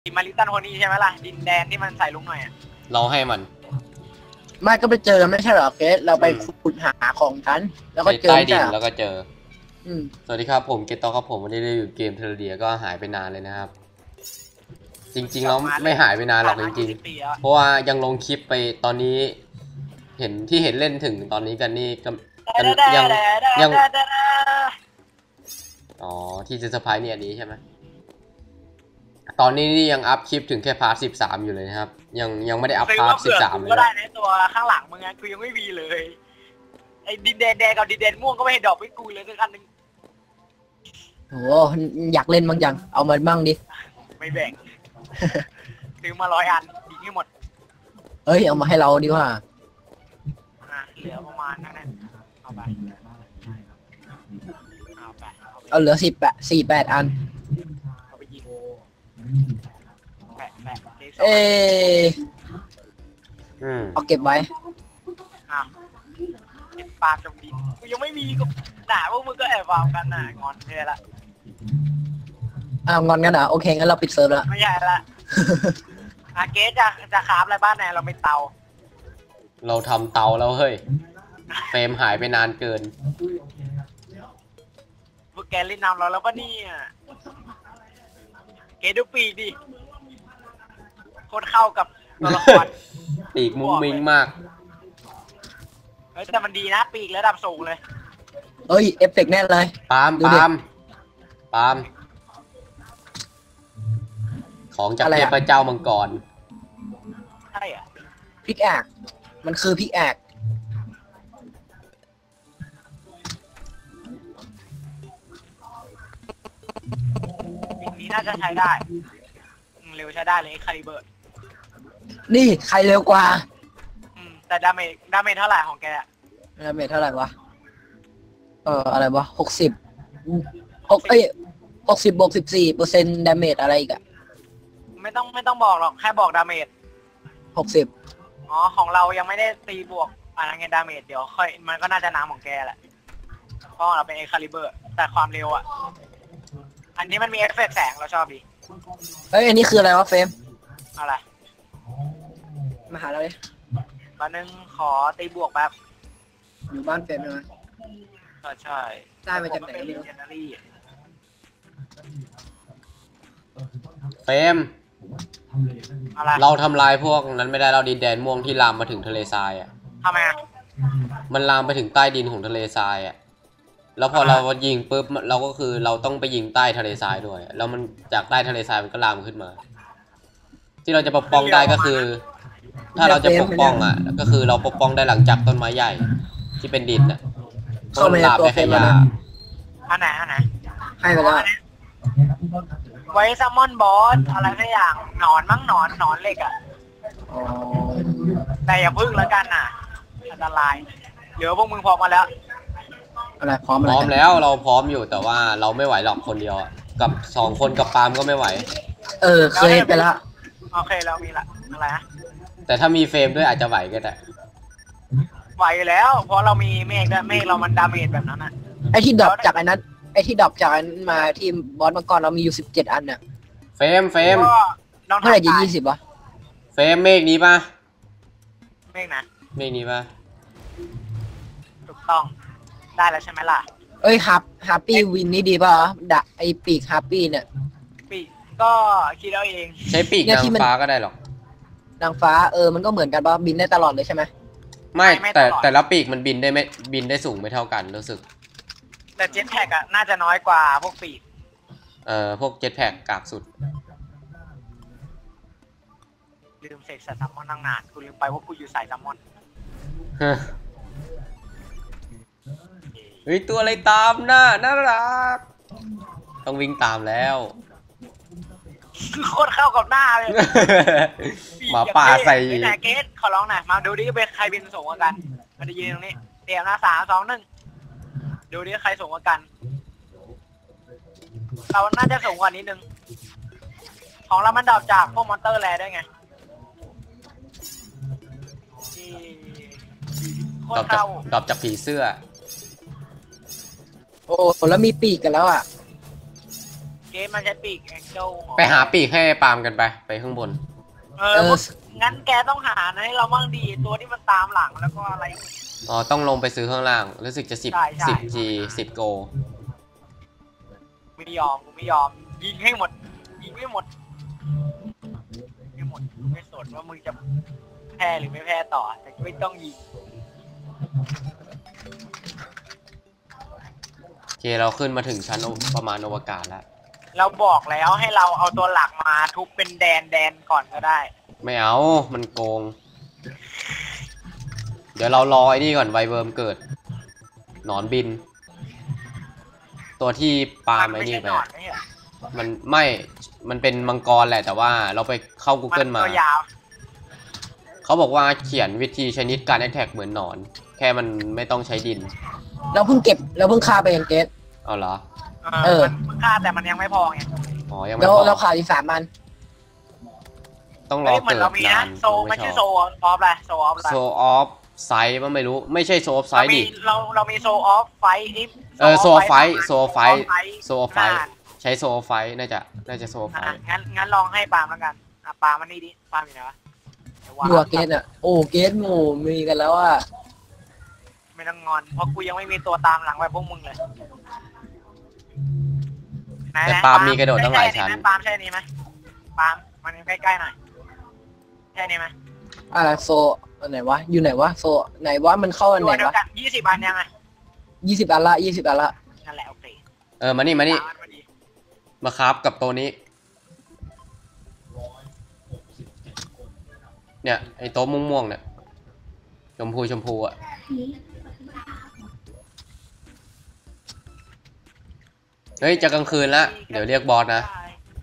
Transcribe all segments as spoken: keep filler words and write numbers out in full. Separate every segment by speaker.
Speaker 1: มาริตันโฮนี่ใช่ไหมล่ะดินแดนที่มันใส่ลุงหน่อยอะ
Speaker 2: เราให้มัน
Speaker 3: ไม่ก็ไปเจอไม่ใช่หรอเกสเราไปขุดหาของกันแล้วก็เจอ
Speaker 2: ใต้ดินแล้วก็เจอสวัสดีครับผมเกตโตครับผมวันนี้ได้อยู่เกมเทเลเดียก็หายไปนานเลยนะครับจริงๆแล้วไม่หายไปนานหรอกจริงๆเพราะว่ายังลงคลิปไปตอนนี้เห็นที่เห็นเล่นถึงตอนนี้กันนี่กันยังยังอ๋อที่จะเซอร์ไพรส์เนี่ยอันนี้ใช่ไหมตอนนี้นี่ยังอัพคลิปถึงแค่พาร์ทสิบสามอยู่เลยนะครับยังยังไม่ได้อัพพาร์ทสิบสามเลยก็
Speaker 1: ได้ในตัวข้างหลังมึงไงคือยังไม่มีเลยไอ้ดินแดนแดงกับดินแดนม่วงก็ไม่ให้ดอกไม่กูเลยสักอันนึง
Speaker 3: โอ้อยากเล่นบ้างยังเอามาบ้างดิ
Speaker 1: ไม่แบ่งซื้อมาร้อยอันดีที่หมด
Speaker 3: เอ้ยเอามาให้เราดีกว่า
Speaker 1: เหลือประมาณนั้นเอาไปเอาไป
Speaker 3: เอาเหลือสิบแปดสี่แปดอัน
Speaker 1: เอาไปยิงแปะแปะ
Speaker 3: เออเอาเก็บไว้
Speaker 1: อ้าวเก็บปลาจมดินกูยังไม่มีก็ด่าพวกมึงก็แอบวางกันน่ะงอนเลยละ
Speaker 3: อ้าวงอนกันเหรอโอเคงั้นเราปิดเซิร์ฟแล้ว
Speaker 1: ไม่ใช่ละอาเกสจะจะคราฟอะไรบ้านไหนเราไม่เตา
Speaker 2: เราทำเตาแล้วเฮ้ยเฟรมหายไปนานเกิน
Speaker 1: พวกแกเล่นน้ำเราแล้วปะเนี่ยเกสดูปีกดิโคตรเข้ากับตัวละคร
Speaker 2: ปีกมุ้งมิ้งมาก
Speaker 1: เฮ้ยแต่มันดีนะปีกระดับสูงเลย
Speaker 3: เอ้ยเอฟเฟกต์แน่เลย
Speaker 2: ปาล์มปาล์มปาล์มของจากเทพเจ้ามังกร
Speaker 1: ใช่อ่ะ
Speaker 3: พิกแอกมันคือพิกแอก
Speaker 1: ปีกนี้น่าจะใช้ได้เร็วใช้ได้เลยคาลิเบอร์
Speaker 3: นี่ใครเร็วกว่า
Speaker 1: อืมแต่ดาเมจดาเมจเท่าไหร่ของแก
Speaker 3: ดาเมจเท่าไหร่วะเอออะไรวะหกสิบหกเอ้ยหกสิบบวกสิบสี่เปอร์เซ็นต์ดาเมจอะไรอีกอะ
Speaker 1: ไม่ต้องไม่ต้องบอกหรอกแค่บอกดาเมจ
Speaker 3: หกสิบ
Speaker 1: อ๋อของเรายังไม่ได้ตีบวกอะไรเงี้ยดาเมจเดี๋ยวค่อยมันก็น่าจะน้ำของแกแหละเพราะเราเป็นเอ็กคาลิเบอร์แต่ความเร็วอ่ะอันนี้มันมีเอฟเฟกต์แสงเราชอบดี
Speaker 3: เอ้ยอันนี้คืออะไรวะเฟรม
Speaker 1: อะไร
Speaker 3: มาหาเราเลย
Speaker 1: มานึงขอตีบวกแบบ
Speaker 3: อยู่บ้านเฟรมใช่ไหม
Speaker 1: ใช่
Speaker 3: ได้มาจากไหนเนี่ย
Speaker 2: เฟรมเราทำลายพวกนั้นไม่ได้เราดินแดนม่วงที่ลามมาถึงทะเลทรายอ่ะ
Speaker 1: ทำไมอ่ะ
Speaker 2: มันลามไปถึงใต้ดินของทะเลทรายอ่ะแล้วพอเรายิงปุ๊บเราก็คือเราต้องไปยิงใต้ทะเลทรายด้วยแล้วมันจากใต้ทะเลทรายมันก็ลามขึ้นมาที่เราจะปกป้องได้ก็คือถ้าเราจะปกป้องอ่ะก็คือเราปกป้องได้หลังจากต้นไม้ใหญ่ที่เป็นดินอ่ะ
Speaker 3: เข้ามาตัวเฟรมมา
Speaker 1: อันไหนอันไหน
Speaker 3: ให้ไปแล้ว
Speaker 1: ไว้ซัมมอนบอสอะไรสักอย่างหนอนมั้งหนอนหนอนเหล็กอ่ะแต่อย่าพึ่งแล้วกันน่ะอันตรายเหลือพวกมึงพร้อมมาแล้ว
Speaker 3: อะไรพร้อม
Speaker 2: พร้อมแล้วเราพร้อมอยู่แต่ว่าเราไม่ไหวหรอกคนเดียวกับสองคนกับปาล์มก็ไม่ไหว
Speaker 3: เออเคยไปแล้ว
Speaker 1: โอเคเรามีละอะไรนะ
Speaker 2: แต่ถ้ามีเฟรมด้วยอาจจะไหวก็ได้
Speaker 1: ไหวแล้วเพราะเรามีเมฆด้วยเมฆเรามันดาเมจแบบนั้นนะ
Speaker 3: ไอที่ดรอปจากอันนั้นไอที่ดรอปจากอันมาที่บอสมังกรเรามีอยู่สิบเจ็ดอันน่ะ
Speaker 2: เฟรมเฟรม
Speaker 3: เมื่อไหร่จะยี่สิบวะ
Speaker 2: เฟรมเมฆนี้ป่ะ
Speaker 1: เมฆนะ
Speaker 2: เมฆนี้ป่ะ
Speaker 1: ถูกต้องได้แล้วใช่ไหมล่ะ
Speaker 3: เอ้ยฮับฮับปี้วินนี่ดีป่ะดะไอปีกฮับปี้เนี่ย
Speaker 1: ปีกก็คิดเอาเอง
Speaker 2: ใช้ปีกนางฟ้าก็ได้หรอก
Speaker 3: นางฟ้าเออมันก็เหมือนกันป่ะบินได้ตลอดเลยใช่ไหม
Speaker 2: ไม่แต่แต่ละปีกมันบินได้ไม่บินได้สูงไม่เท่ากันรู้สึก
Speaker 1: แต่เจ็ตแพ็กอะน่าจะน้อยกว่าพวกปีก
Speaker 2: เอ่อพวกเจ็ตแพ็กกากสุด
Speaker 1: ลืมเสกสายซัมมอนตั้งนานกูลืมไปว่ากูอยู่สายซัมมอน
Speaker 2: เฮ้ยตัวอะไรตามน่าน่ารักต้องวิ่งตามแล้ว
Speaker 1: โคตรเข้ากับหน้าเลย
Speaker 2: หมาป่าใส่
Speaker 1: ไหนเกสขอร้องหน่อยมาดูดิเป็นใครบินสูงกว่ากันมาดูยืนตรงนี้เตรียมนะสามสองหนึ่งดูดิใครสูงกว่ากันเราน่าจะสูงกว่านิดนึงของเรามันดรอปจากพวกมอนเตอร์แลด้วยไง
Speaker 2: ดรอปจากดรอปจากผีเสื้อ
Speaker 3: โอ้แล้วมีปีกกันแล้วอ่ะ
Speaker 1: เกสมันใช้ปีกแองเจิล
Speaker 2: ไปหาปีกให้ปาล์มกันไปไปข้างบน
Speaker 1: เอองั้นแกต้องหานะให้เราบ้างดีตัวที่มันตามหลังแล้วก็อะไร
Speaker 2: อ๋อต้องลงไปซื้อข้างล่างรู้สึกจะสิบ
Speaker 1: ใช่ใช่
Speaker 2: สิบจีสิบโก
Speaker 1: ไม่ยอมกูไม่ยอมยิงให้หมดยิงไม่หมดไม่หมดไม่สนว่ามึงจะแพ้หรือไม่แพ้ต่อแต่ไม่ต้องยิง
Speaker 2: โอเคเราขึ้นมาถึงชั้นประมาณอวกาศแล้ว
Speaker 1: เราบอกแล้วให้เราเอาตัวหลักมาทุบเป็นแดนแดนก่อนก็ได้
Speaker 2: ไม่เอามันโกง เดี๋ยวเรารอไอ้นี่ก่อนไวเวิร์มเกิดหนอนบิน ตัวที่ปาล์มไอ้นี่ไป
Speaker 1: มันไม่ใช่หนอนไม่ใช่เหรอ
Speaker 2: มันไม่ มันเป็นมังกรแหละแต่ว่าเราไปเข้า Google
Speaker 1: มัน
Speaker 2: มา
Speaker 1: ตัวยาว
Speaker 2: เขาบอกว่าเขียนวิธีชนิดการแอคแท็กเหมือนหนอน แค่มันไม่ต้องใช้ดิน
Speaker 3: เราเพิ่งเก็บเราเพิ่งฆ่าไปเองเกต
Speaker 2: เอาเหรอ
Speaker 1: เอ
Speaker 3: เอ
Speaker 1: อ
Speaker 3: อ
Speaker 1: มันมันฆ่าแต่มันยังไม่พอไง
Speaker 2: อ๋อยังไม่
Speaker 3: แล้ว
Speaker 2: พอ
Speaker 3: เราขาดอีกสามอัน
Speaker 2: ต้องรอ
Speaker 1: เฮ้ยเหมือน
Speaker 2: เกิด
Speaker 1: เรามี
Speaker 2: นา
Speaker 1: นะ
Speaker 2: น
Speaker 1: โซไม่ใช่โซออฟอะไรโซออฟอะไร
Speaker 2: โซออฟไซส์มันไม่รู้ไม่ใช่โซออฟไซ
Speaker 1: เรา
Speaker 2: ส์
Speaker 1: มี
Speaker 2: ดิ
Speaker 1: เราเรามีโซออฟไฟนี่
Speaker 2: เออโซออฟไฟโซออฟไฟ
Speaker 1: โซออฟไฟ
Speaker 2: โซออฟไฟใช้โซออฟไฟน่าจะน่าจะโซออฟไฟ
Speaker 1: อ่ะงั้นงั้นลองให้ปาล์มแล้วกันอ่ะปาล์มมันนี่ดิปาล์มอยู่ไหนวะเดี๋ยววาง
Speaker 3: ดูอะเกตอ่ะโอ้เกตหมู่มีกันแล้วอ่ะ
Speaker 1: ไม่ต้องงอนเพราะกูยังไม่มีตัวตามหลังไปพวกมึงเลยไหน
Speaker 2: แต่
Speaker 1: ๆ
Speaker 2: ปาล์มมีกระโดดตั้งหลายชั้น
Speaker 1: ใช่ไหมปาล์มใช่นี้ไหมปาล์มมันใกล้ๆหน่อยใช่นี้ไหม
Speaker 3: อะไรโซอันไหนวะอยู่ไหนวะโซไหนวะมันเข้าอัน
Speaker 1: ตั
Speaker 3: ไหน
Speaker 1: วเดียว
Speaker 3: วะ
Speaker 1: กันยี่สิบอันยังไง
Speaker 3: ยี่สิบอันละยี่สิบอันละ
Speaker 1: นั่นแหละโอเค
Speaker 2: เออมานี่มานี่
Speaker 1: ปล์อัพอดี
Speaker 2: มาคราฟกับตัวนี้ เนี่ยไอ้โต๊ะม่วงๆเนี่ยชมพูชมพูอ่ะเฮ้ยจะกลางคืนละเดี๋ยวเรียกบอสนะ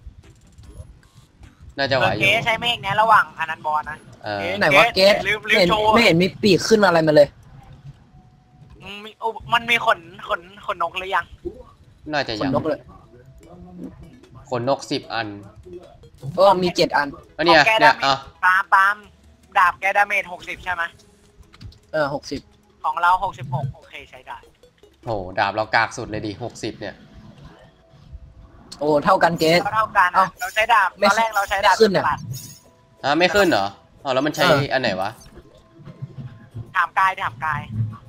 Speaker 2: น่าจะไหวอ
Speaker 1: เก
Speaker 2: ยู่
Speaker 1: สใช้เมฆเนี่ยระหว่างอนันต์บอลนะ
Speaker 2: เออ
Speaker 3: ไหนวะเกต
Speaker 1: ลืมลื
Speaker 3: ไม่
Speaker 1: ม
Speaker 3: เห็น
Speaker 1: โชว์
Speaker 3: ไม่เห็นมีปีกขึ้นอะไรมาเลย
Speaker 1: อืมมีโอ้มันมีขนขนขนนกหรือยัง
Speaker 2: น่าจะ
Speaker 3: ข
Speaker 2: ยั
Speaker 3: น
Speaker 2: ง
Speaker 3: นกเลย
Speaker 2: ขนนกสิบอัน
Speaker 3: ก็มีเจ็ดอัน
Speaker 2: ก็เนี่ย
Speaker 1: ของแก
Speaker 2: เนี่ย
Speaker 1: ดาเมจ
Speaker 2: อ่ะ
Speaker 1: ปาล์มปาล์มดาบแกดาเมจหกสิบใช่ไหม
Speaker 3: เออหกสิบ
Speaker 1: ของเราหกสิบหกโอเคใช้ได้
Speaker 2: โหดาบเรากากสุดเลยดิหกสิบเนี่ย
Speaker 3: โอ้เท่ากันเกต
Speaker 1: เท่ากัน
Speaker 3: เอ้า
Speaker 1: อะเราใช้ดาบ
Speaker 3: ไม่
Speaker 1: ตอนแรกเราใช้ดาบ
Speaker 3: ไม่ขึ้นอะ
Speaker 1: ตลาด
Speaker 2: อ่ะไม่ขึ้นเหรออ๋อแล้วมันใช้
Speaker 3: เอออั
Speaker 2: อันไหนวะ
Speaker 1: ถามกายถามกาย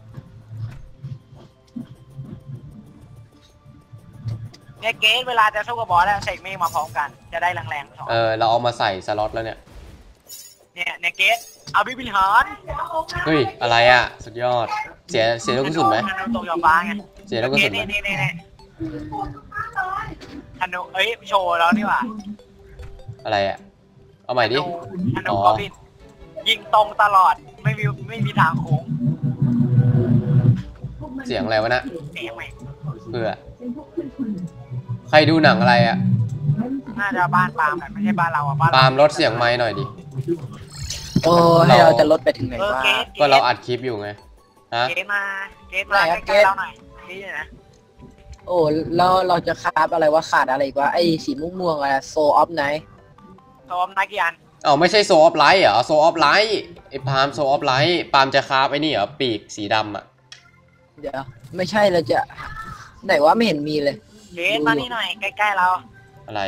Speaker 1: เนี่ยเกสเวลาจะสู้กับบอสแล้วเสกเมฆมาพร้อมกันจะได้แรงๆสอง
Speaker 2: เออเราเอามาใส่สล็อตแล้วเนี่ย
Speaker 1: เนี่ยเนี่ยเกสเอาบิบิลฮอน
Speaker 2: เฮ้ยอะไรอ่ะสุดยอดเสียเสียลูกกระสุนไหม
Speaker 1: ธนูตกยอฟ้าไง
Speaker 2: เสียลูกกระสุนไหม
Speaker 1: นี่นี่นี่นี่ธนูเอ้ยโชว์แล้วนี่หว่า
Speaker 2: อะไรอ่ะเอาใหม่ดิ
Speaker 1: ธนูธ
Speaker 2: อ๋
Speaker 1: นู
Speaker 2: อ
Speaker 1: กอบินยิงตรงตลอดไม่มีไม่มีทางโค้ง
Speaker 2: เสียงอะไรวะนะ
Speaker 1: เสียงไหม
Speaker 2: เพื่อใครดูหนังอะไรอ่ะ
Speaker 1: น่าจะบ้านปาล์มแหละไม่ใช่บ้านเราอ่ะบ้าน
Speaker 2: ปาล์มลดเสียงไม้หน่อยดิ
Speaker 3: โอ้ให้เราจะลดไปถึงไหน
Speaker 1: เออ
Speaker 3: วะ
Speaker 1: เกส
Speaker 2: ก็เราอัดคลิปอยู่ไงฮะ
Speaker 1: เกสมาเกสมา
Speaker 3: ไหนอะ
Speaker 1: ใกล้ๆ
Speaker 3: เกส
Speaker 1: เราหน่อยนี่นะ
Speaker 3: โอ้แล้วเราจะคราฟอะไรวะขาดอะไรอีกวะไอ้สีม่วงๆอะไรโซออฟไนท์
Speaker 1: ซ้อมนักกีฬา
Speaker 2: อ๋อไม่ใช่โซออฟไลท์เหรอโซออฟไลท์ไอ้ปาล์มโซออฟไลท์ปาล์มจะคราฟไอ้นี่เหรอปีกสีดำอ่ะ
Speaker 3: เดี๋ยวไม่ใช่เราจะไหนวะไม่เห็นมีเลย
Speaker 1: เกสมานี่หน่อยใกล้ๆเรา
Speaker 2: อะไร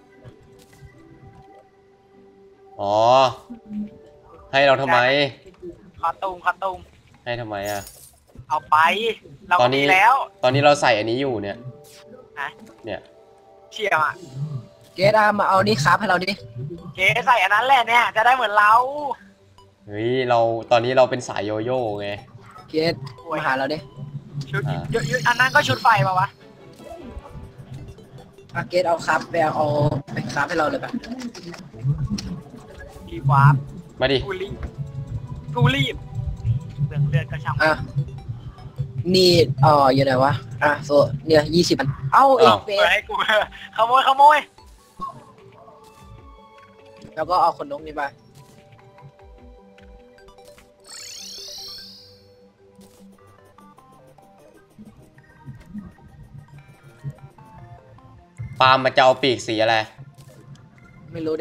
Speaker 2: อ๋อให้เราทำไม
Speaker 1: คอตูมคอตูม
Speaker 2: ให้ทำไมอ่ะ
Speaker 1: เอาไป เรา
Speaker 2: ตอนนี้
Speaker 1: มีแล้ว
Speaker 2: ตอนนี้เราใส่อันนี้อยู่เนี่ย
Speaker 1: นะ
Speaker 2: เนี่ย
Speaker 1: เชี่ยอ่ะ
Speaker 3: เกตอามาเอานี่คราฟให้เราดิ
Speaker 1: เกสใส่อันนั้นแหละเนี่ยจะได้เหมือนเรา
Speaker 2: เฮ้ยเราตอนนี้เราเป็นสายโยโย่ไง
Speaker 3: เกตมาหาเราดิ
Speaker 1: ชุด
Speaker 2: อ่า
Speaker 1: ยุยุอันนั้นก็ชุดไฟป่าวะ
Speaker 3: อาเกตเอาคราฟไปเอาไปคราฟให้เราเลยปะ
Speaker 1: กีวาร์ป
Speaker 2: มาดิ
Speaker 1: กูรีบกูรีบเลือดเลือดก็ช่าง
Speaker 3: อ่ะนี่เอ๋ออยู่ไหนวะอ่ะโซเนี่ยยี่สิบอันเอ้าอีกเฟ
Speaker 1: เปิด
Speaker 3: ส
Speaker 1: ให้กูขโมยขโมย
Speaker 3: แล้วก็เอาขนนกนี่ไป
Speaker 2: ปาล์มมาจะเอาปีกสีอะไร
Speaker 3: ไม่รู้ดิ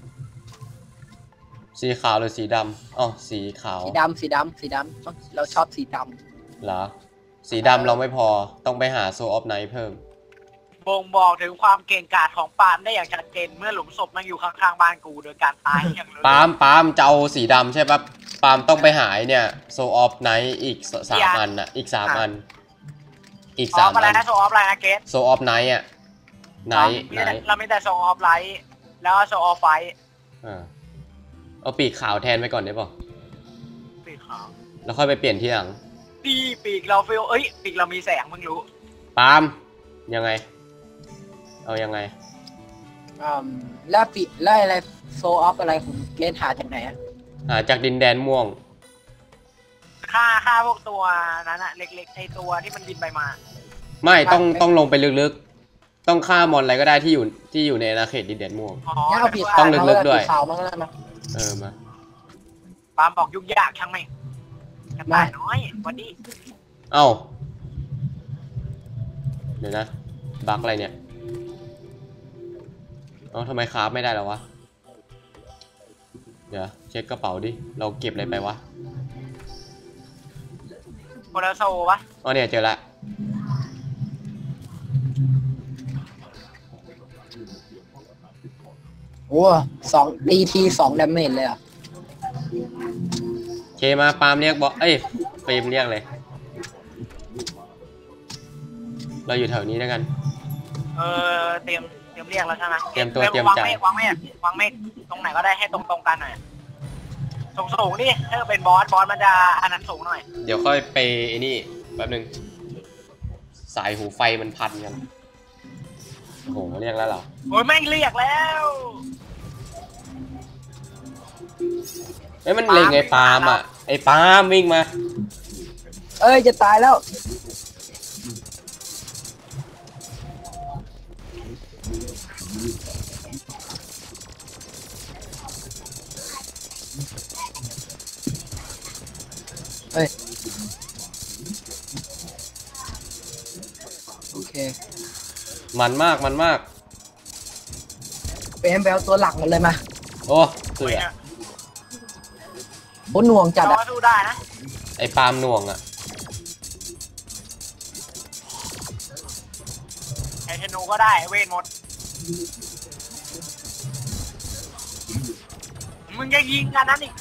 Speaker 2: สีขาวหรือสีดำอ๋อสีขาว
Speaker 3: สีดำสีดำสีดำต้องเราชอบสีด
Speaker 2: เหรอสีดำเราไม่พอต้องไปหาโซออฟไนท์เพิ่ม
Speaker 1: บ่งบอกถึงความเก่งกาจของปาล์มได้อย่างชัดเจนเมื่อหลุมศพมันอยู่ข้างๆบ้านกูโดยการตายอย่างรู้
Speaker 2: ปาล์มปาล์มจะเอาสีดำใช่ปะปาล์มต้องไปหายเนี่ยโซออฟไนท์อีกสามอันอ่ะอีกสามอันอีก
Speaker 1: อ
Speaker 2: สา
Speaker 1: อ
Speaker 2: ม
Speaker 1: ฟอะไร
Speaker 2: อัน
Speaker 1: นะโซออฟอะไรนะเกส
Speaker 2: โซออฟไนท์อ่ะไนท์ไนท์
Speaker 1: เราไม่แต่โซออฟไลท์แล้วโซออฟไฟ
Speaker 2: อ่าเอาปีกขาวแทนไปก่อนได้ป่ะ
Speaker 1: ปีกขาว
Speaker 2: แล้วค่อยไปเปลี่ยนที่หลัง
Speaker 1: ปีปีกเราฟิลเอ้ยปีกเรามีแสงเพิ่งรู้
Speaker 2: ปาล์มยังไงเอายังไง
Speaker 3: อืมแล้วปีแล้วอะไรโซออฟอะไรของเกสหาจากไหนอะ
Speaker 2: หาจากดินแดนม่วง
Speaker 1: ฆ่าฆ่าพวกตัวนั้นอะเล็กๆไอตัวที่มันบินไปมา
Speaker 2: ไม่ต้องต้องลงไปลึกๆ ต้องฆ่ามอนอะไรก็ได้ที่อยู่ที่อยู่ในอาณาเขตดินแดนม่วง
Speaker 1: อ๋อ
Speaker 3: งั้นเอาปี
Speaker 2: ต้องลึกๆด้วย
Speaker 3: ปีขาวมั้งแล้วนะ
Speaker 2: เออมา
Speaker 1: ปาล์มบอกยุ่งยากช่างไหมกระต่ายน้อยวันนี้
Speaker 2: เอ้าเดี๋ยวนะบั๊กอะไรเนี่ยเอ้าทำไมคราฟไม่ได้แล้ววะเดี๋ยวเช็คกระเป๋าดิเราเก็บอะไรไปวะ
Speaker 1: โคลาโซวะ
Speaker 2: อ๋อเนี่ยเจอละ
Speaker 3: โอ้สองดีทีสองดาเมจเลยอ่ะ
Speaker 2: เคมาปาล์มเรียกบอสเอ้ยเฟรมเรียกเลยเราอยู่แถวนี้แล้วกัน
Speaker 1: เออเตรียมเตรียมเรียกแล้วใช่ไหม
Speaker 2: เตรียมตัวเตรียม
Speaker 1: วาง
Speaker 2: ใจ
Speaker 1: เมฆวางเมฆวางเมฆตรงไหนก็ได้ให้ตรงตรงๆกันหน่อยสูงสูงๆนี่ถ้าเป็นบอสบอสมันจะอันนั้นสูงหน่อย
Speaker 2: เดี๋ยวค่อยไปไอ้นี่แป๊บนึงสายหูไฟมันพันกันโอ้โหเรียกแล้วเหรอ
Speaker 1: โอ้ยแม่งเรียกแล้ว
Speaker 2: เอ้ยมันเล็งไอ้ปาล์มอ่ะไอ้ปาล์มวิ่งมา
Speaker 3: เอ้ยจะตายแล้วเฮ้ยโอเค
Speaker 2: มันมากมันมาก
Speaker 3: เป็นแบลตัวหลักหมดเลยมา
Speaker 2: โอ้เสือ
Speaker 3: โคตรหน่วงจัด
Speaker 1: เรา
Speaker 3: อ่ะ
Speaker 1: สู้ได้นะ
Speaker 2: ไอ้ปาล์มหน่วงอ่ะ
Speaker 1: ไอเทนูก็ได้เวทหมดมึงจะยิงกันนั้นอีก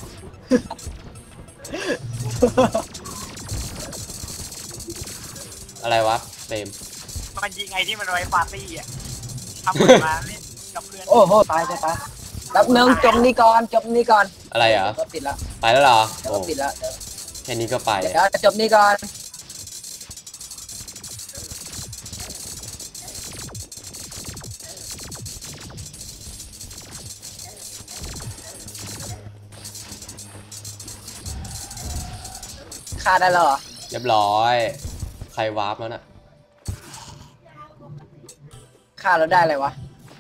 Speaker 2: อะไรวะเฟรม
Speaker 1: มันยิงไอที่มันไว้ปาร์ตี้อ่ะทำเหมือนมาเล่นกับเพื่อน
Speaker 3: โอ้โหตายจะตายแป๊บนึงจบนี่ก่อนจบนี่ก่อน
Speaker 2: อะไรเหรอ
Speaker 3: ก็ปิดละ
Speaker 2: ไปแล้วเหรอ
Speaker 3: เดี๋ยว
Speaker 2: โอ้
Speaker 3: ก็ปิดละเดี๋ยว
Speaker 2: แค่นี้ก็ไป
Speaker 3: เดี๋ยวจบนี่ก่อนฆ่าได้แล้วเหรอ
Speaker 2: เรียบร้อย ใครวาร์ปแล้วน่ะ
Speaker 3: ฆ่าแล้วได้อะไรวะ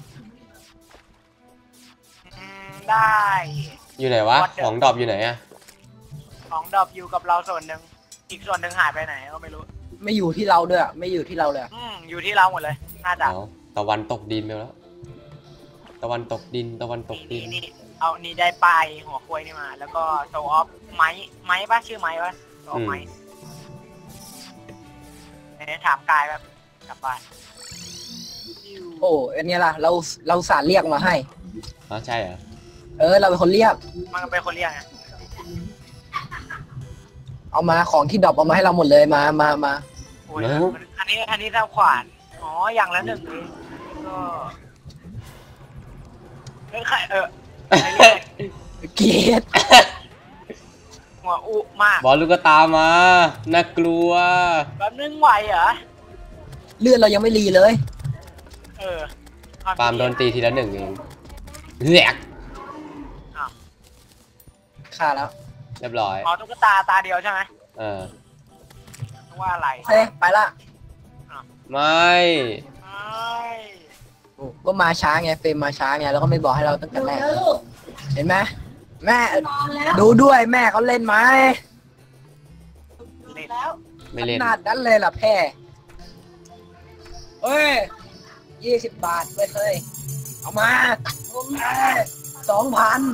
Speaker 1: อืมได้
Speaker 2: อยู่ไหนวะ ของดรอปอยู่ไหนอะ
Speaker 1: ของดรอปอยู่กับเราส่วนหนึ่งอีกส่วนหนึ่งหายไปไหนก็ไม่รู้
Speaker 3: ไม่อยู่ที่เราด้วยอะไม่อยู่ที่เราเลยอะ
Speaker 1: อืมอยู่ที่เราหมดเลยน่าจะ
Speaker 2: เอาตะวันตกดินไปแล้ว ตะวันตกดิน ตะวันตกดิ
Speaker 1: นี่
Speaker 2: น
Speaker 1: นี่เอานี่ได้ปลายหัวควยนี่มา แล้วก็โซออฟไม้ไม้ปะชื่อไม้ปะโซออฟไม้เนี่ยถามกายแบบกลับบ้าน
Speaker 3: โอ้อันนี้ล่ะ เราเราสารเรียกมาให้
Speaker 2: อ๋อใช่เหรอ
Speaker 3: เออ เราเป็นคนเรียก
Speaker 1: มันเป็นคนเรียกไง
Speaker 3: เอามาของที่ดรอปเอามาให้เราหมดเลยมามามา
Speaker 1: โอ้ยมันอันนี้อันนี้เท่าขวานอ๋ออย่างละหนึ่งเลยก็เฮ้ยใครเออใครเรียก
Speaker 3: เกลียด
Speaker 1: หัวอุมาก
Speaker 2: บอลลูกตามา น่ากลัว
Speaker 1: แบบนึงไหวเหรอ
Speaker 3: เลือดเรายังไม่รีเลย
Speaker 1: เออ
Speaker 2: ปาล์มโดนตีทีละหนึ่งเองแหลก
Speaker 3: ฆ่าแล้ว
Speaker 2: เรียบร้อย
Speaker 1: อ๋อตุ๊กตาตาเดียวใช่ไหม
Speaker 2: เออ
Speaker 1: ว่าอะไร
Speaker 3: เฮ้ยไปละ
Speaker 2: ไม่
Speaker 1: ไม่
Speaker 3: โอ้ก็มาช้าไงเฟรมมาช้าไงแล้วก็ไม่บอกให้เราตั้งแต่แรกเห็นไหมแม่ดูด้วยแม่เขาเล่นไหม
Speaker 1: เล่น
Speaker 2: ไม่เล่น
Speaker 3: ขนาดนั้นเลยล่ะแพ่เฮ้ยยี่สิบบาทเว้ยเฮ้ยเอามาสองพัน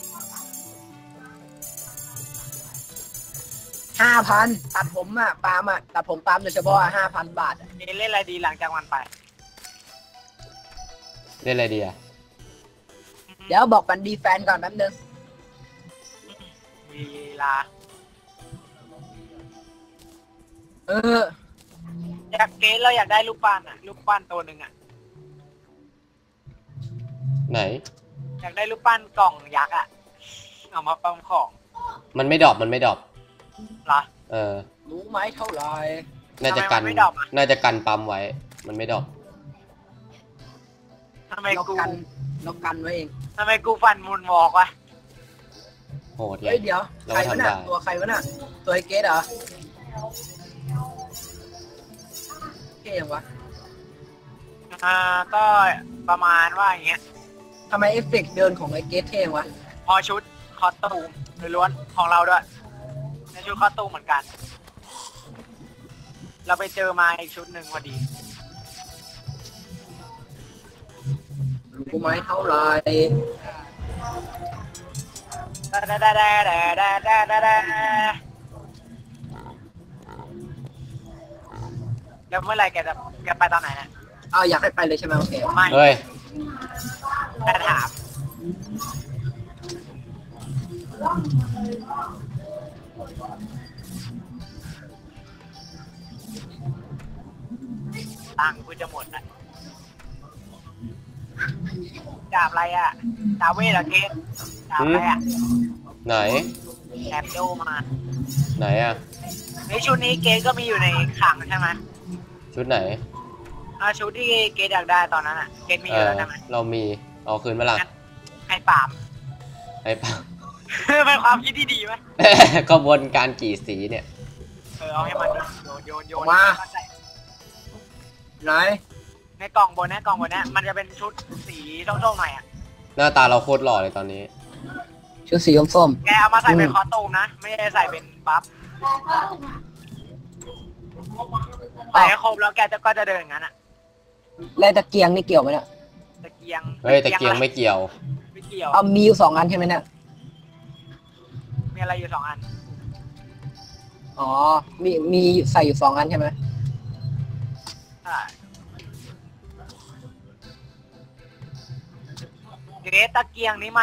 Speaker 3: ห้าพันตัดผมอ่ะปาล์มอ่ะตัดผมปาล์มโดยเฉพาะห้าพันบาทอะ
Speaker 1: นี่เล่นอะไรดีหลังจากวันไป
Speaker 2: เล่นอะไรดีอะ
Speaker 3: เดี๋ยวบอกกันดีแฟนก่อนแป๊บนึง
Speaker 1: มีลา
Speaker 3: เออ
Speaker 1: อยากเกสเราอยากได้ลูกปั้นอ่ะลูกปั้นตัวหนึ่งอ่ะ
Speaker 2: ไหน
Speaker 1: อยากได้ลูกปั้นกล่องยักษ์อ่ะเอามาปั๊มของ
Speaker 2: มันไม่ดรอปมันไม่ดรอป
Speaker 1: เหรอ
Speaker 2: เออ
Speaker 3: รู้ไหมเท่าไหร่
Speaker 2: น่าจะกัน
Speaker 1: ทำไมมันไม่ดรอปอะ
Speaker 2: น่าจะกันปั๊มไว้ มันไม่ดรอป
Speaker 1: ทำไม
Speaker 3: เรา
Speaker 1: กู
Speaker 3: กันเรากันไว้เอง
Speaker 1: ทำไมกูฟันมุนวอกวะ
Speaker 2: โหดเล
Speaker 3: เฮ้
Speaker 2: ย
Speaker 3: ยเดี๋ยว
Speaker 2: เรา
Speaker 3: ใคร
Speaker 2: ก็
Speaker 3: วะ
Speaker 2: ทำ
Speaker 3: น่ะ
Speaker 2: ได้
Speaker 3: ตัวใครวะน่ะตัวไอเกสเหรอเท่ยังวะ
Speaker 1: อ่าก็ประมาณว่าอย่างเงี้ย
Speaker 3: ทำไมเอฟเฟกต์เดินของไอเกสเท่ยังวะ
Speaker 1: พอชุดคอสตูมล้วนๆของเราด้วยในชุดคอสตูมเหมือนกัน เราไปเจอมาอีกชุดหนึ่งพอดี
Speaker 3: รู้ไหมเท่าไหร่
Speaker 1: ดาดาดาดาดาดาดาดาดาแล้วเมื่อไหรแกจะแกไปตอนไหนนะ
Speaker 3: อ้าวอยากให้ไปเลยใช่ไหมโอเค
Speaker 1: ไม่
Speaker 2: เฮ้ย
Speaker 1: แต่ถามตังค์กูจะหมดอ่ะดาบอะไรอ่ะดาบเวทเหรอเกตดาบอะไรอ่ะ
Speaker 2: ไหน
Speaker 1: แอบโดมา
Speaker 2: ไหนอะ
Speaker 1: ในชุดนี้เกตก็มีอยู่ในขังใช่ไหม
Speaker 2: ชุดไหน
Speaker 1: อ่าชุดที่เกตอยากได้ตอนนั้นอ่ะ เกตมีอ
Speaker 2: เอยู่ อ
Speaker 1: แล้วใช่ไหม
Speaker 2: เรามี เอาคืนมาละ
Speaker 1: ไอ้ปาล์ม
Speaker 2: ไอ้ปั๊ม
Speaker 1: เป็นความคิดที่ดีไหม
Speaker 2: กระบวนการกี่สีเนี่ย
Speaker 1: เออเอาให้มันดิโยนโยนโยน
Speaker 3: มา
Speaker 1: เข้ใจ
Speaker 3: ไหน
Speaker 1: ในกล่องบนเนี้กล่องบนเนี้มันจะเป็นชุดสีส้มๆหน่อยอ่ะ
Speaker 2: หน้าตาเราโคตรหล่อเลยตอนนี้
Speaker 3: ชุดสีส้ม
Speaker 1: แกเอามาใส่เป็น
Speaker 3: อืม
Speaker 1: คอสตูมนะ ไม่ได้ใส่เป็นบัฟ
Speaker 3: ๆ
Speaker 1: ใส่
Speaker 3: อ้าว
Speaker 1: ให้ครบแล้วแกจะก็จะเดินอย่างนั้นอ่ะ
Speaker 3: แล้วตะเกียงนี่เกี่ยวไหมเนี่ย
Speaker 1: ตะเกียง
Speaker 2: เฮ้ยแต่เกียงไม่เกี่ยว
Speaker 1: ไม่เกี่ยว
Speaker 3: เอามีอยู่สองอันใช่ไหมเนี่ย
Speaker 1: มีอะไรอยู่สองอัน
Speaker 3: อ๋อมีมีใส่อยู่สองอันใช่ไหม
Speaker 1: ใช่เกตตะเกียงนี้มัน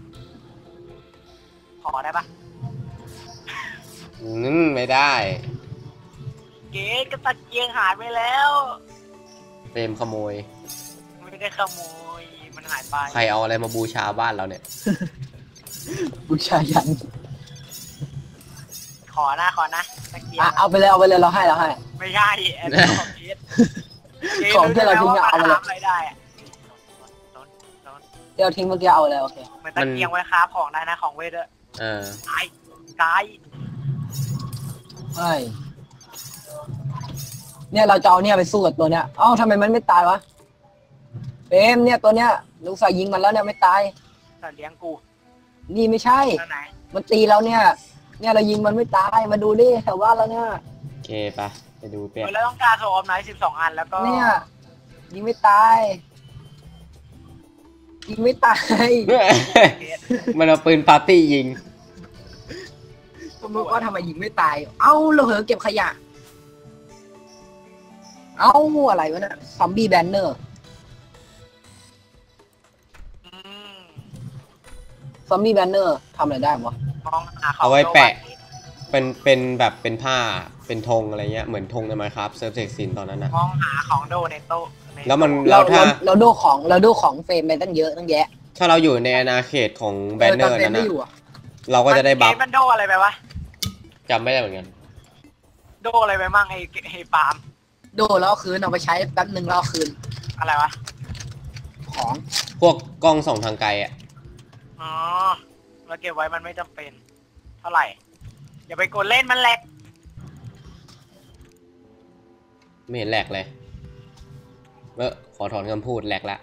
Speaker 1: ขอได้ปะ
Speaker 2: อืมไม่ได้
Speaker 1: เกตก็ตะเกียงหายไปแล้ว
Speaker 2: เฟรมขโมย
Speaker 1: ไม่ได้ขโมย มันหายไป
Speaker 2: ใครเอาอะไรมาบูชาบ้านเราเนี่ย
Speaker 3: บูชายัน
Speaker 1: ขอนะขอนะตะเกียง
Speaker 3: อ่ะเอาไปเลยเอาไปเลยเราให้เราให้
Speaker 1: ไม่ใช่แอนของเกต
Speaker 3: ของที่เราทิ้งอะเอาไปเลย
Speaker 1: ทำอะไรได้อะ
Speaker 3: เดี๋ยวทิ้งเมื่อกี้เอาเลยโอเค
Speaker 1: เหมือนตะเกียงไว้ค้าของได้นะของเวทด้วย
Speaker 2: เออ
Speaker 1: ตายตาย
Speaker 3: ใช่เนี่ยเราจะเอาเนี่ยไปสู้กับตัวเนี้ยเอ้าทำไมมันไม่ตายวะเปมเนี่ยตัวเนี้ยลูกสายยิงมันแล้วเนี่ยไม่ตาย
Speaker 1: สัตว์เลี้ยงกู
Speaker 3: นี่ไม่ใช่
Speaker 1: แล้วไหน
Speaker 3: มันตีเราเนี่ย เนี่ยเรายิงมันไม่ตายมาดูดิแถวบ้านเราเนี่ย
Speaker 2: โอเคไปะไปดูเปีย
Speaker 1: เออแล้วต้องการโซออฟไนท์สิบสองอันแล้วก็
Speaker 3: เนี่ยยิงไม่ตายยิงไม่ตาย
Speaker 1: เกต
Speaker 2: มันเอาปืนปาร์ตี้ยิง
Speaker 3: สมมติว่าทำไมยิงไม่ตาย เอ้าเราเหอเก็บขยะ เอ้าอะไรวะเนี่ยซอมบี้แบนเนอร์
Speaker 1: อืม
Speaker 3: ซอมบี้แบนเนอร์ทำอะไรได้วะ
Speaker 1: มองหาของ
Speaker 2: เอาไว้แปะ
Speaker 1: โดน
Speaker 2: เป็นเป็นแบบเป็นผ้าเป็นธงอะไรเงี้ยเหมือนธงในไมค์ครับเซิร์ฟเซ็กซินตอนนั้นอะ
Speaker 1: มองหาของโดในโต๊ะใน
Speaker 2: แล้วมัน
Speaker 3: เรา
Speaker 2: เราถ้า
Speaker 3: เราเราดูของเราดูของเฟรมไปตั้งเยอะตั้งแยะ
Speaker 2: ถ้าเราอยู่ในอาณาเขตของแบนเนอร์
Speaker 3: แต่ฟ
Speaker 2: นั้น
Speaker 3: ไม่
Speaker 2: อะ
Speaker 3: อยู่อะ
Speaker 2: เราก็จะได้บัฟ
Speaker 1: เกตมันโดอะไรไปวะ
Speaker 2: จำไม่ได้เหมือนกัน
Speaker 1: โดอะไรไปมั่งไอ้ไอ้ปาล์ม
Speaker 3: ดูแล้วเอาคืนเอาไปใช้แป๊บนึงแล้วเอาคืน
Speaker 1: อะไรวะ
Speaker 3: ของ
Speaker 2: พวกกล้องส่องทางไกลอะ
Speaker 1: อ๋อเราเก็บไว้มันไม่จำเป็น เท่าไหร่ อย่าไปกดเล่นมันแหลก
Speaker 2: ไม่เห็นแหลกเลยเออขอถอนคำพูดแหลกละ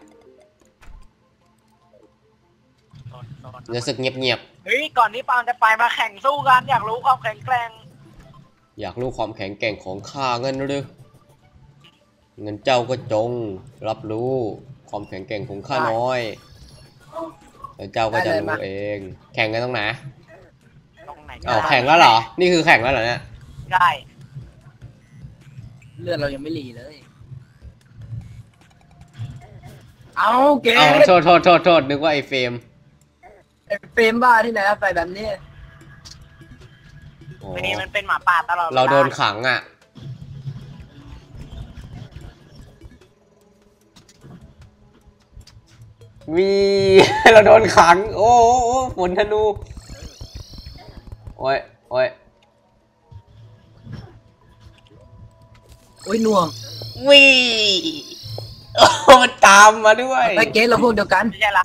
Speaker 2: รู้สึกเงียบ
Speaker 1: เฮ้ยก่อนที่ปาล์มจะไปมาแข่งสู้กัน อยากรู้ความแข็งแกร่ง
Speaker 2: ๆอยากรู้ความแข็งแกร่งของข้าเงินหรือเงินเจ้าก็จง รับรู้ความแข็งแกร่งของข้าน้อยแล้วเจ้าก็จะรู้เอง แข่งกันตรงไหน
Speaker 1: ตรงไหนก็
Speaker 2: อ้าว
Speaker 1: ได้
Speaker 2: แข่งแล้วเหรอ นี่คือแข่งแล้วเหรอเนี่ย
Speaker 1: ได้
Speaker 3: เลือดเรายังไม่รีเลยเอาเกม
Speaker 2: เอาโทษโทษโทษโทษนึกว่าไอ้เฟรม
Speaker 3: ไอ้เฟรมบ้าที่ไหนอะใส่แบบนี้
Speaker 2: โอ้
Speaker 1: วันนี้มันเป็นหมาป่าตลอดวล
Speaker 2: เราโดนขังอ่ะวี เราโดนขังโอ้โอ้โอ้ฝนธนูโอ้ยโอ้ย
Speaker 3: โอ้ยหน่วง
Speaker 2: วีโอ้มันตามมาด้วย
Speaker 3: ไอ้เกมเราพวกเดียวกัน
Speaker 1: ไม่ใช่เรา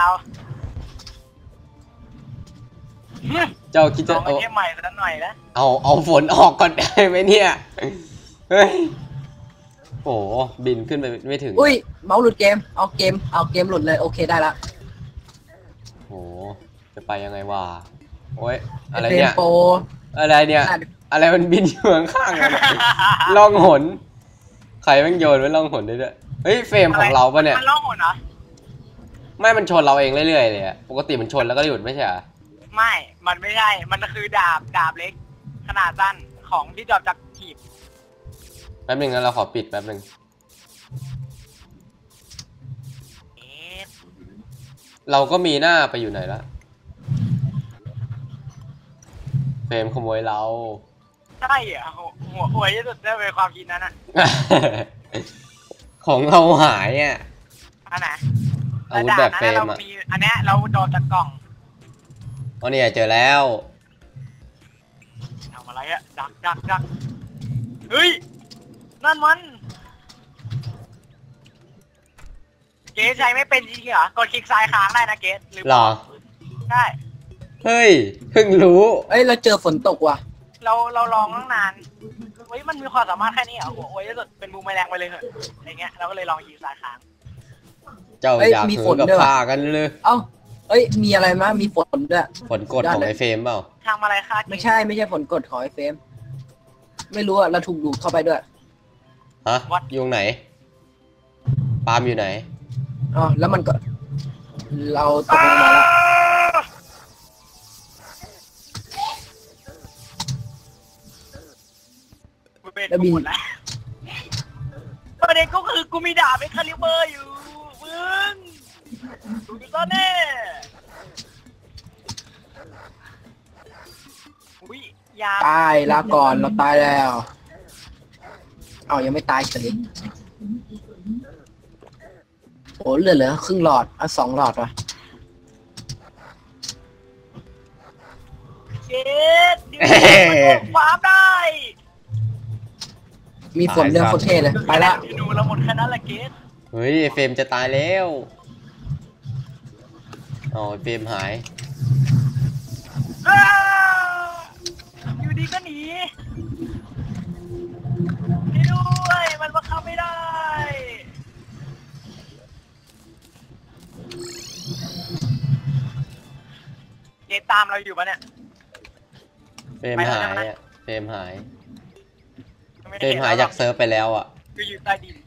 Speaker 2: เจ้าคิด
Speaker 1: ล
Speaker 2: จะ
Speaker 1: องไอ
Speaker 2: เอา
Speaker 1: เทมใหม่สักหน่อยนะ
Speaker 2: เอาเอาฝนออกก่อนได้ไหมเนี่ยเฮ้ยโอ้บินขึ้นไปไม่ถึง
Speaker 3: อุ้ยเมาส์หลุดเกมเอาเกมเอาเกมหลุดเลยโอเคได้ละ
Speaker 2: โอ้จะไปยังไงวะโอ้ยอะไร
Speaker 3: เฟรม
Speaker 2: เนี่ย
Speaker 3: โปร
Speaker 2: อะไรเนี่ย อะไรมันบินอยู่ข้างๆกันล่องหนใครแม่งโยนไว้ล่องหนได้ด้วยเฮ้ยเฟรมของเราปะเนี่ย
Speaker 1: มันล่องหนเหรอ
Speaker 2: ไม่มันชนเราเองเรื่อยๆเลยอะปกติมันชนแล้วก็หยุดไม่ใช่เหรอ
Speaker 1: ไม่ มันไม่ใช่ มันคือดาบดาบเล็ก ขนาดสั้นของที่ดรอปจากหีบ
Speaker 2: แป๊บนึงนะเราขอปิดแป๊บนึง
Speaker 1: เอ๊ะ
Speaker 2: เราก็มีหน้าไปอยู่ไหนละเฟรมขโมยเรา
Speaker 1: ใช่เหรอหัวหัวหวยที่สุดได้เป็นความคิดนั้นอ่ะ
Speaker 2: ของเราหายอ่ะ
Speaker 1: อันไหน
Speaker 2: อาวุธแบบเฟรม
Speaker 1: เรา
Speaker 2: อ่ะ
Speaker 1: มีอันเนี้ยเราโดนจากกล่อง
Speaker 2: อ๋อเนี่ยเจอแล้ว
Speaker 1: ทำอะไรอะดักดักดักเฮ้ย นั่นมัน เกสใช้ไม่เป็นจริงเหรอ กดคลิกซ้ายค้างได้นะเกสหรือ
Speaker 2: หรอ
Speaker 1: ใช่
Speaker 2: เฮ้ยเพิ่งรู้
Speaker 3: เอ้ยเราเจอฝนตกว่ะ
Speaker 1: เราเราลองตั้งนานเฮ้ยมันมีความสามารถแค่นี้เหรอหัวโวยที่สุดเป็นบูมแมลงไปเลยเหรอะอะไรเงี้ยเราก็เลยลองยิงสายค้าง
Speaker 2: เจ้า
Speaker 3: เอ้ย
Speaker 2: อยาก
Speaker 3: มี
Speaker 2: หื
Speaker 3: ฝ
Speaker 2: อน กับ
Speaker 3: ด้วยว่ะ
Speaker 2: ข้ากันเลย
Speaker 3: เอ้าเอ้ยมีอะไรมั้ยมีฝนด้วย
Speaker 2: ผลกดของไอ้เฟรมเปล่า
Speaker 1: ทำอะไรคะ
Speaker 3: ไม่ใช่ไม่ใช่ผลกดของไอ้เฟรมไม่รู้อะเราถูกดูดเข้าไปด้วย
Speaker 2: ฮะอยู่ไหนปาล์มอยู่ไหน
Speaker 3: อ๋อแล้วมันก็ เราตกลงมาแล้ว
Speaker 1: กูเป็นกูหมดแล้วประเด็นก็คือกูมีดาบเป็นคาลิเบอร์อยู่มึงดูดิซ่อนแน่อุ้ยยา
Speaker 3: ตายลาก่อนเราตายแล้วเอายังไม่ตายเฉยโอ้เหลือเหลือครึ่งหลอดอ่ะสองหลอดว่ะ
Speaker 1: เจ็ดดิวมันฟาร์มได้
Speaker 3: มีฝนเรื่องโคตรเท่เลยไปละ
Speaker 1: ดูเราหมดแค่นั้นแหละเกส
Speaker 2: เฮ้ยไอ้เฟรมจะตายแล้วอ๋อไอ้เฟรมหาย
Speaker 1: อ้าอยู่ดีก็หนีให้ด้วยมันบังคับไม่ได้เกสตามเราอยู่ปะเนี่ย
Speaker 2: เฟรม
Speaker 1: ไปแล้ว
Speaker 2: หาย
Speaker 1: ใช่ไหม
Speaker 2: อ่ะเฟรมหาย
Speaker 1: ไม่
Speaker 2: เฟร
Speaker 1: ได้
Speaker 2: มหายจากเซิร์ฟไปแล้วอ่ะ
Speaker 1: คืออยู่ใต้ดิน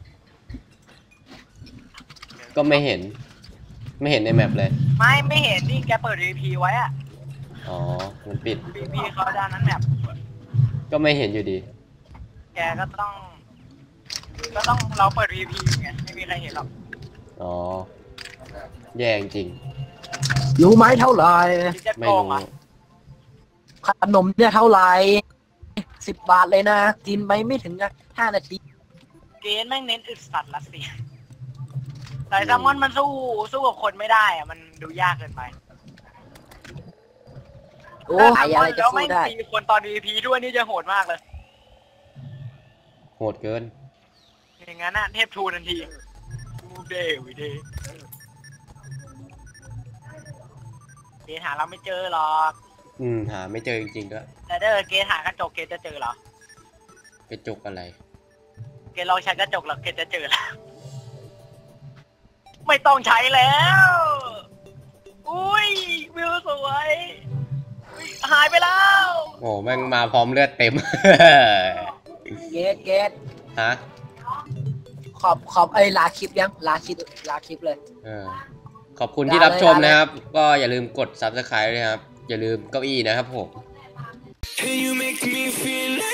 Speaker 2: ก็ไม่เห็น ไม่เห็นในแมปเลย
Speaker 1: ไม่ไม่เห็นนี่แกเปิด วี พี ไว้อะ
Speaker 2: อ๋อ มันปิด
Speaker 1: วี พี เขาด้านนั้นแมป
Speaker 2: ก็ไม่เห็นอยู่ดี
Speaker 1: แกก็ต้อง ก็ต้องเราเปิด วี พี ไงไม่มีใครเห็นหรอก
Speaker 2: อ๋อ แย่จริง
Speaker 3: รู้ไหมเท่าไหร่
Speaker 1: คิดจะ
Speaker 2: ไม่
Speaker 1: โกง
Speaker 2: รู้
Speaker 1: อ่ะ
Speaker 3: ขนมเนี่ยเท่าไหร่สิบบาทเลยนะกินไปไม่ถึงห้านาที
Speaker 1: เกณฑ์แม่งเน้นอึดสัตว์รัสเซียแต่แซลมอนมันสู้สู้กับคนไม่ได้อะมันดูยากเกินไป
Speaker 3: โอ้หายอะไรจะ
Speaker 1: แล้ว
Speaker 3: สู้
Speaker 1: ไม่
Speaker 3: ได้
Speaker 1: มีคนตอน วี พี ด้วยนี่จะโหดมากเลย
Speaker 2: โหดเกิน
Speaker 1: อย่างนั้นน่ะเทพทูทันทีมูเดวิเดเกณฑ์หาเราไม่เจอหรอก
Speaker 2: อืม หาไม่เจอจริงๆด้วย
Speaker 1: แต่ถ้าเกิดเกณฑ์หากระจกเกณฑ์จะเจอเหรอก
Speaker 2: ระจกอะไร
Speaker 1: เกณฑ์ลองใช้กระจกหรอกเกณฑ์จะเจอแล้วไม่ต้องใช้แล้ว อุ้ยวิวสวยอุ๊ยหายไปแล้ว
Speaker 2: โอ้แม่งมาพร้อมเลือดเต็ม
Speaker 3: เกตเกต
Speaker 2: ฮะ
Speaker 3: ขอบขอบไอ้ยลาคลิปยังลาคลิปลาคลิปเลย
Speaker 2: เออ ขอบคุณที่รับชมนะครับ ก็อย่าลืมกด ซับสไครบ์ ด้วยครับ อย่าลืมเก้าอี้นะครับผม
Speaker 4: And you make me feel like